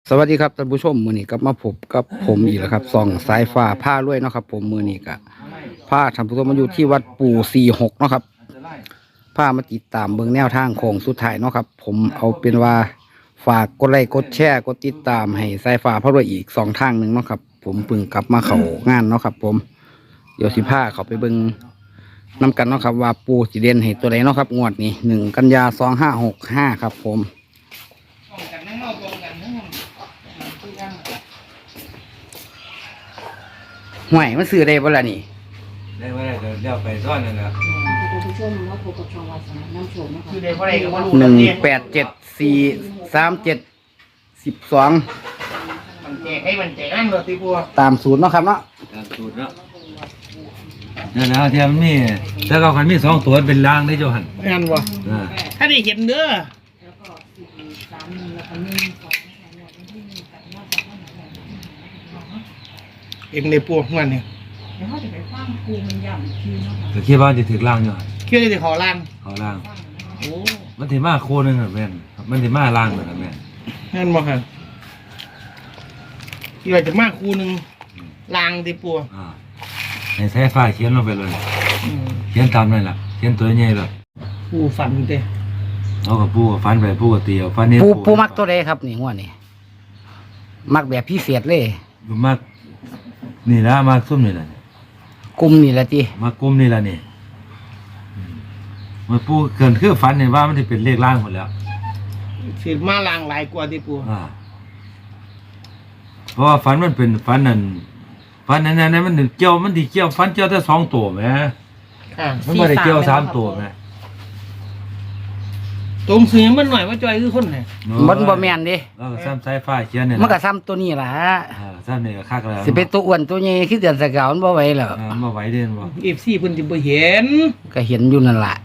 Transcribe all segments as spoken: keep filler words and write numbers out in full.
สวัสดีครับท่านผู้ชมมือนี้ก็มาพบกับผมอีกแล้วครับส่องสายฟ้าผ้าด้วยเนาะครับผมมือนี้ก็ผ้าท่านผู้ชมมาอยู่ที่วัดปู่สี่หกเนาะครับผ้ามาติดตามเบื้องแนวทางของสุดท้ายเนาะครับผมเอาเป็นว่าฝากกดไลค์กดแชร์กดติดตามให้สายฟ้าผ้าด้วยอีกสองทางหนึ่งเนาะครับผมเพิ่งกลับมาเข้างานเนาะครับผมเดี๋ยวสิผ้าเขาไปเบิ่งนำกันเนาะครับว่าปู่สิเด่นให้ตัวใดเนาะครับงวดนี้หนึ่งกันยาสองห้าหกห้าครับผมห่วยมันซื้อได้บ่ล่ะนี่ได้ว่าได้เดี๋ยวเดี๋ยวไปซ่อนนั่นแหละท่านผู้ชมมาพบกับช่องวัดสนามน้ำโชคนะคะคือได้เพราะอะไรก็บ่รู้หนึ่งแปดเจ็ดสี่สามเจ็ดสิบสองมันแจกให้มันแจกนั่นเลยตีบัวตามศูนย์เนาะครับเนาะตามสูตรเนาะนั่นแหละเทียมนมีถ้าเขาคันมีสองตัวเป็นล่างได้เจ้าหันงานบ่อ่าถ้าได้เห็นเด้อแล้วก็สี่สามหนึ่งแล้วก็หนึ่งสองนะคะวันที่หนึ่งกับว่าสองวันไหนนะคะเองเลยปัวงานเนี่ยเดี๋ยวเขาจะไปฟังครูมันย้ำอีกทีเนาะค่ะก็คิดว่าจะถึงล่างอยู่หันเชื่อได้แต่ขอล่างเขาล่างโอ้มันถึงมาโคนึงอ่ะแม่นมันถึงมาล่างเลยนะแม่นงานบ่ครับที่ว่าจะมากคูหนึ่งล่างตีปัวอ่าให้ใช้ฟ้าเขียนลงไปเลยอืมเขียนตามนั่นแหละเขียนตัวใหญ่เลยปูฝันเต้เอากับปูกับฟันไปปูกับเตียวฟันนี้ปูปูมักตัวใดครับนี่หัวนี่มักแบบพิเศษเลยอยู่มากนี่ละมากซุ่มนี่แหละกลุ่มนี่แหละจีมากกุ้มนี่ละนี่อืมมันปูเกินคือฟันเห็นว่ามันจะเป็นเลขล่างหมดแล้วสิมาล่างหลายกว่าตีปัวอ่าเพราะว่าฟันมันเป็นฟันนั่นฟันนั่นนั่นมันเกี่ยวมันดีเกี่ยวฟันเกี่ยวแต่สองตัวไหมค่ะมันไม่ได้เกี่ยวสามตัวไหมตรงซื้อมันหน่อยว่าจอยคือคนไหนมันบ่แม่นเดิแล้วก็ซ้ำสายฟ้าเขียนเนี่ยมันก็ซ้ำตัวนี้ล่ะอ่าซ้ำเนี่ยก็คักแล้วสิเป็นตัวอ้วนตัวใหญ่คือเดือนสกาวมันบ่ไหวแล้วอ่ามาไหวเด่นบ่เอฟซีเพิ่นสิบ่เห็นก็เห็นอยู่นั่นล่ะ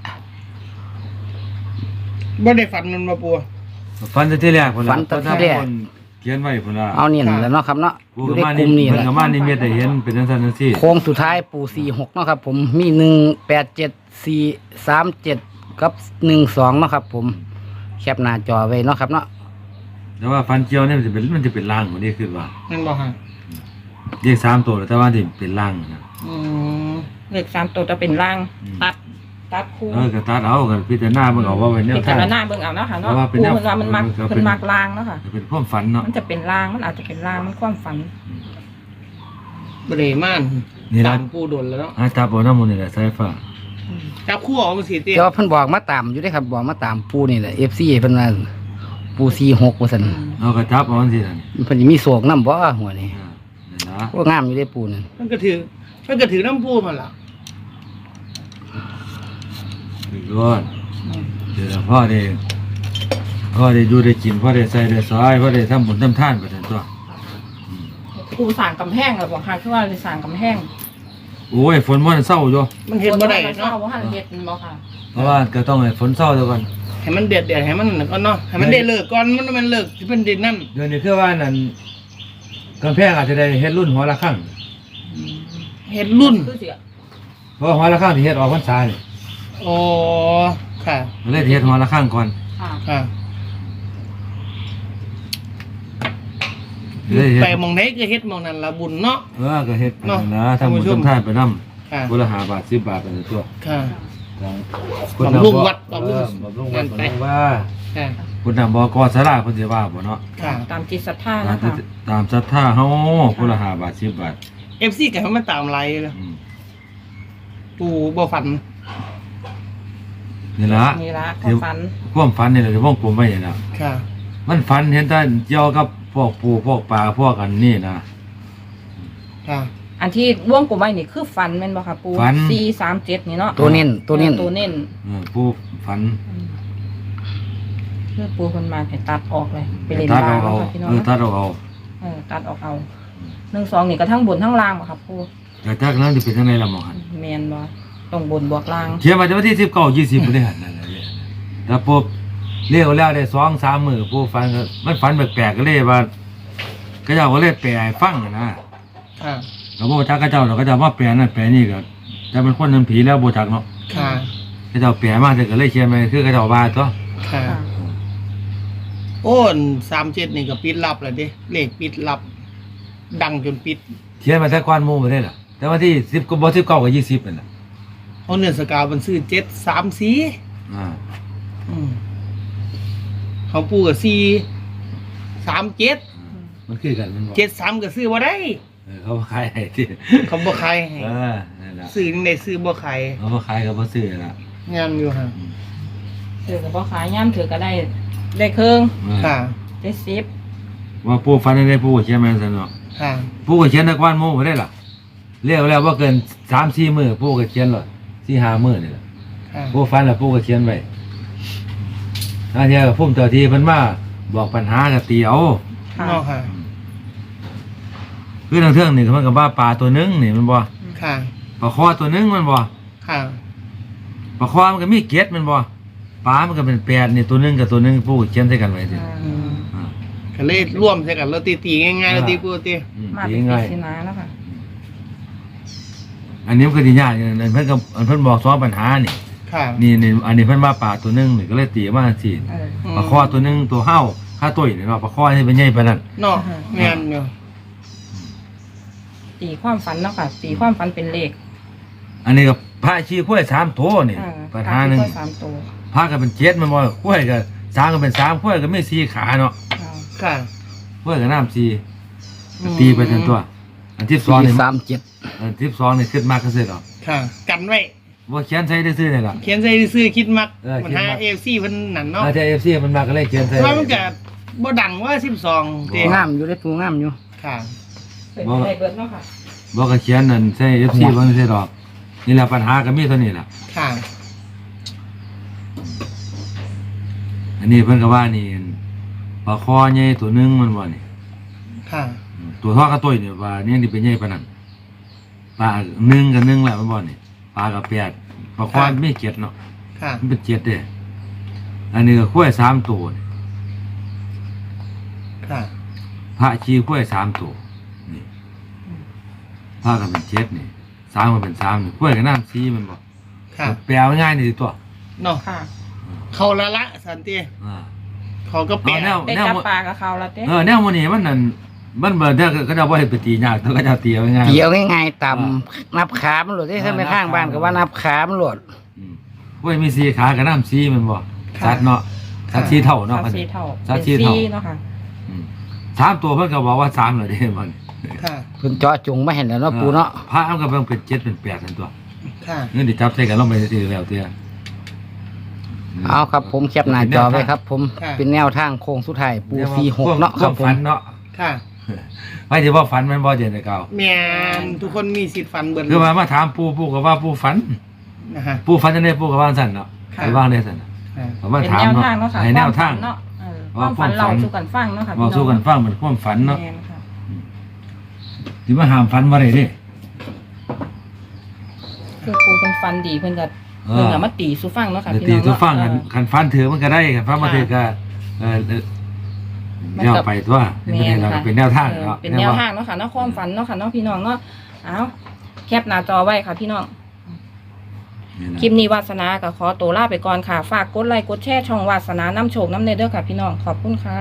บ่ได้ฝันมันมาปัวฟันแต่ที่แรกพุ่นฟันแต่ที่แรกคนเขียนไว้พุ่นละเอานี่นั่นแหละเนาะครับเนาะปูอยู่กับในมากลุ่มนี่มันแหละกับมานี่เม็ดได้เห็นเป็นจังซั่นจังซี่โค้งสุดท้ายปู่สี่หกเนาะครับผมมีหนึ่งแปดเจ็ดสี่สามเจ็ดกับหนึ่งสองเนาะครับผมแคปหน้าจอไว้เนาะครับเนาะแต่ว่าฟันเกี่ยวเนี่ยมันจะเป็นมันจะเป็นล่างกว่านี้คือว่านั่นบ่ฮะเรียกสามตัวแต่ว่าที่เป็นล่างนะอืมเลขสามตัวจะเป็นล่างอืมตัดตัดคู่เออก็ตัดเอากันพิจารณาเบิ่งเอาว่าเป็นแนวพิทาจาง รณาเบิ่งเอาเนาะค่ะเพเนาะราะว่าเป็นคู่แนวมันว่ามันมักเออก็เป็นเพิ่นมักล่างเนาะค่ะเป็นความฝันเนาะมันจะเป็นล่างมันอาจจะเป็นล่างมันความฝันบ่ได้ม่านนี่ละตามปูโดนแล้วเนาะอาจับเอาน้ำมันนี่แหละสายฟ้าจับคู่ออกมาสิเตี้ยแต่ว่าเพิ่นบอกมาตามอยู่ได้อครับบอกมาตามปู่นี่แหละเอฟซีเพิ่นว่าปู่สี่หกว่าซั่นเอากระจับเอาสินั่นเพิ่นสิมีโศกนำบ่หัวนี่อ่านี่นะก็งามอยู่ได้อปู่นั่นมันก็ถือมันก็ถือน้ำปูมันล่ะอีกร้อนเดี๋ยวพ่อได้พ่อได้ดูได้กินพ่อได้ใส่ได้ซอยพ่อได้ทำบุญทำทานไปทั้งตัวคู่สั่งกำแพงหรือบ่ค่ะคือว่าเลยสั่งกำแพงโอ้ยฝนมันเศร้าอยู่มันเห็นบ่ได้เนาะเนาะว่าหันเฮ็ดมันบ่ค่ะเพราะว่าก็ต้องให้ฝนเศร้าเดี๋ยวก่อนให้มันเดือดเดือดให้มันนั่นก่อนเนาะให้มันได้เลิกก่อนมันมันเลิกที่เป็นดินนั่นเดี๋ยวนี้คือว่านั่นกำแพงอาจจะได้เฮ็ดรุ่นหัวละข้างเห็นรุ่นคือสิเพราะหัวละข้างที่เฮ็ดออกพรรษานี่อ๋อค่ะมันเลยเฮ็ดหัวละข้างก่อนค่ะค่ะเลยเฮ็ดไปหมองไหนก็เฮ็ดหมองนั้นละบุญเนาะเออก็เฮ็ดเนาะนะทำบุญท่านผู้ชมทำทานไปนำค่ะคนละห้าบาทสิบบาทไปตัวค่ะคนบำรุงวัดบำรุงบำรุงวัดงานไปบำรุงว่าค่ะคุณนำบอกอสลาเพิ่นสิว่าบ่เนาะค่ะตามจิตศรัทธาตามนะที่คะตามศรัทธาเฮาคนละห้าบาทสิบบาทเอฟซีก็ให้มันตามไลน์เลยอืมปูบ่ฝันนี่ล่ะนี่ละความฝันความฝันนี่แหละที่วงกลมไว้นี่ล่ะค่ะมันฝันเห็นแต่เกี่ยวกับพวกปูพวกปลาพวกอันนี้นะค่ะอันที่ว่วงกลมไว้นี่คือฝันแม่นบ่ค่ะปูฝันสี่สามเจ็ดนี่เนาะตัวเน้นตัวเน้นตัวเน้นเออปูฝันเพื่อปูคนมาให้ตัดออกเลยไปเล่นตัดล่าเอางเอาเนาะค่ะพี่น้องเออตัดเอาเอาเออตัดออกเอาหนึ่งสองนี่ก็ทั้งบนทั้งล่างบ่ครับปูแต่ถ้านั้นจะเป็นจังไดล่ะหมอหันแมนบ่ต้องบนบวกล่างเขียนมาจะวันที่สิบเก้ายี่สิบบ่ได้หันนั่นแหละเนี่ยแต่ปุ๊บเรียกแล้วได้สองสามมื้อปูฝันก็มันฝันแปลกๆก็เลยว่าก็เจ้าก็เลยแปลให้ฟังนะค่ะแล้วบ่จักก็เจ้าเราก็จะมาแปลนั่นแปลนี่ก็แต่มันคนนั้นผีแล้วบ่จักเนาะค่ะก็เจ้าแปลมาแต่ก็เลยเขียนไปคือก็เจ้าว่าตัวค่ะค่ะโอ้นสามเจ็ดนี่ก็ปิดลับแล้วเด้เลขปิดลับ ดังจนปิดเขียนมาแต่ก่อนหมู่บ่ได้ล่ะแต่ว่าที่สิบก็บ่สิบเก้ากับยี่สิบนั่นน่ะเอาเนื้อสกาวมันซื้อเจ็ดสามสี่อ่าอืมเขาปูกับสี่สามเจ็ดมันคือกันมันบ่เจ็ดสามก็ซื้อบ่ได้เออเขาบ่ขายให้ที่เขาบ่ขายให้เออนั่นล่ะซื้อจังได๋ซื้อบ่ขายเขาบ่ขายก็บ่ซื้อล่ะงามอยู่ฮะถือกับพ่อขายย่ำถือก็ได้ได้เครื่องเออค่ะได้สิบว่าปู่ฝันได้ปู่ก็เขียนมาซั่นเนาะค่ะปู่ก็เขียนแต่ก่อนหมู่บ่ได้ล่ะเรียกแล้วว่าเกินสามสี่มื้อปู่ก็เขียนแล้วสี่ห้ามื้อนี่ล่ะค่ะปู่ฝันแล้วปู่ก็เขียนไว้ถ้าเที่ยพุ่มเจ้าที่เพิ่นมาบอกปัญหาก็ตีเอาค่ะเนาะค่ะคือทางเทื่องนี่ก็มันก็ว่าปลาตัวหนึงนี่มันบ่ค่ะปลาคอตัวหนึงมันบ่ค่ะปลาคอมันก็มีเกล็ดมันบ่ปลามันก็เป็นแปดนี่ตัวหนึงกับตัวหนึงปู่ก็เขียนใส่กันไว้สิอืมอ่าก็เลยร่วมใส่กันแล้วตีๆง่ายๆแล้วตีปูตีอืมมาดีเป็นง่าปียสินาแล้วค่ะอันนี้มันก็สิยากอย่างนั้นเพิ่นก็เพิ่นบอกสองปัญหานี่ค่ะนี่นี่อันนี้เพิ่นว่าปลาตัวหนึงนี่ก็เลยตีมาสิเออมปลาคอตัวหนึงตัวเห่าค่าตุ้ยนี่เนาะปลาคอนี่เป็นใหญ่ปานนั้นเนาะแม่นอยู่ตีความฝันเนาะค่ะ ตีความฝันเป็นเลขอันนี้ก็พระชีข้วยสามตัวนี่อ่าปัญหาหนึงที่ข้อสามตัวพระก็เป็นเจ็ดมันบ่ข้วยก็สามก็เป็นสามข้วยก็มีสี่ขาเนาะอ่าค่ะข้วยก็น้ำสี่ก็ตีไปทั้งตัว อันที่สองสี่นี่สามเจ็ดอันที่สองนี่ขึ้นมากก็เสร็จหรอกค่ะ กันไว้ว่าเขียนใช้ได้ซื้อนี่ล่ะเขียนใส่ซื้อคิดมักเออมันคิดหามักเอฟซีเพิ่นนั่นเนาะอาจจะ เอฟ ซี มันมาก็เลยเขียนใส่ว่ามันก็บ่ดังว่าสิบสองเด้งามอยู่ได้ปูงามอยู่ค่ะเป็นไปได้เบิดเนาะค่ะบอกก็เขียนนั่นใส่ เอฟ ซี บ่ได้ใส่ดอกนี่แหละปัญหาก็มีเท่านี้ล่ะค่ะอันนี้เพิ่นก็ว่านี่ปลาคอใหญ่ตัวหนึงมันบ่นี่ค่ะตัวทอดกระตุ้ยเนี่ยว่านี่นี่เป็นใหญ่ปานนั้นปลาหนึ่งกับหนึ่งแหละมันบ่นี่ปลากับแปดปลาคอไม่เจ็ดเนาะค่ะมันเป็นเจ็ดเด้อันนี้ก็ข้วยสามตัวนี่ค่ะพระชีข้วยสามตัวนี่พระก็เป็นเจ็ดนี่สามก็เป็นสามนี่ข้วยกับน้ำซีมันบ่ค่ะแปลง่ายๆนี่สิตัวเนาะค่ะเขาละละสันติอ่าเขาก็แปลเอาแนวได้จับปลากับเขาแล้วเต้เออแนวมันนี่มันนั่นมันเบิดเด้อก็จะบ่ให้ไปตียากแต่ก็จะตีเอาง่ายๆเกี่ยวง่ายๆต่ำนับขามันหลดได้ถ้าไม่ข้างบ้านก็ว่านับขามันหลดอืมข้วยมีสีขากับน้ำซีมันบ่สัตว์เนาะสัตว์สีเท่าเนาะสามสี่เท่าสัตเป็ว์นสีเท่าสี่เนาะค่ะอืมสามตัวเพิ่นก็บอกว่าสามเลยเด้มันค่ะเพิ่นเจาะจงมาเห็นแล้วเนาะปูเนาะพระมันก็เป็นเป็นเจ็ดเป็นแปดนั่นตัวค่ะเงินดิจับใส่กันลงไปซื้อแล้วเตี้ยเอาครับผมแคปหน้าจอไว้ครับ ผมค่ะเป็นแนวทางโค้งสุดท้ายปูสี่หกเนาะครับผมฝันเนาะค่ะไม่ใช่ว่าฝันมันบ่เจนแต่เก่าแม่นทุกคนมีสิทธิ์ฟันเบิดคือมามาถามปู่ปู่ก็ว่าปู่ฝันนะฮะปู่ฝันจังได๋ปู่ก็ว่าสั่นเนาะค่ะไปว่างได้สั่นน่ะค่ะผมมาเป็นถามแนวเนาะทางเนาะค่ะให้แนวทางเนาะเออคว่าวามฝันความฝัเรานสู่กันฟังเนาะค่ะเว้าสู่กันฟังเหมือนความฝันเนาะแม่นค่ะสิมาห้ามฝันบ่ได้เด้คือปูเป็นฟันดีเพิ่นก็เออเพิ่นก็มาตีสู่ฟังเนาะค่ะเดี๋ยวพี่ตีน้องตัวฟังเนาะคันเออคันฟันถือมันก็ได้คันฟันบ่ถือก็เออเออมันแนวก็ไปตัวเป็นประเด็นเราค่ะเป็นแนวทางเออเนาะเป็นแนวทางเนาะค่ะเนาะความฝันเนาะค่ะเนาะพี่น้องเนาะเอาแคปหน้าจอไว้ค่ะพี่น้องนี่นะคลิปนี้วาสนาก็ขอตัวลาไปก่อนค่ะ ฝากกดไลค์กดแชร์ช่องวาสนาน้ำโชคน้ำเนเด้อค่ะพี่น้องขอบคุณค่ะ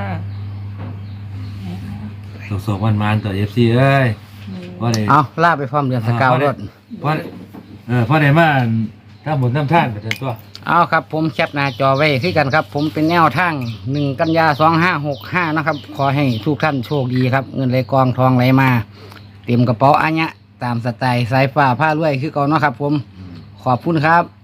ส่งๆวันมานต่อ เอฟ ซี เอ้ยว่าได้เอาล่าไปพร้อมเดือนสกาวรถเพราะเออเพราะได้มาถ้าหมดน้ำท่านไปถึงตัวเอาครับผมแคปหน้าจอไว้คือกันครับ ผมเป็นแนวทางหนึ่งกันยาสองห้าหกห้านะครับ ขอให้ทุกท่านโชคดีครับ เงินไหลกองทองไหลมา เต็มกระเป๋าอันเนี้ยตามสไตล์สายฟ้าผ้ารวยคือก่อนเนาะครับ ผมขอบคุณครับ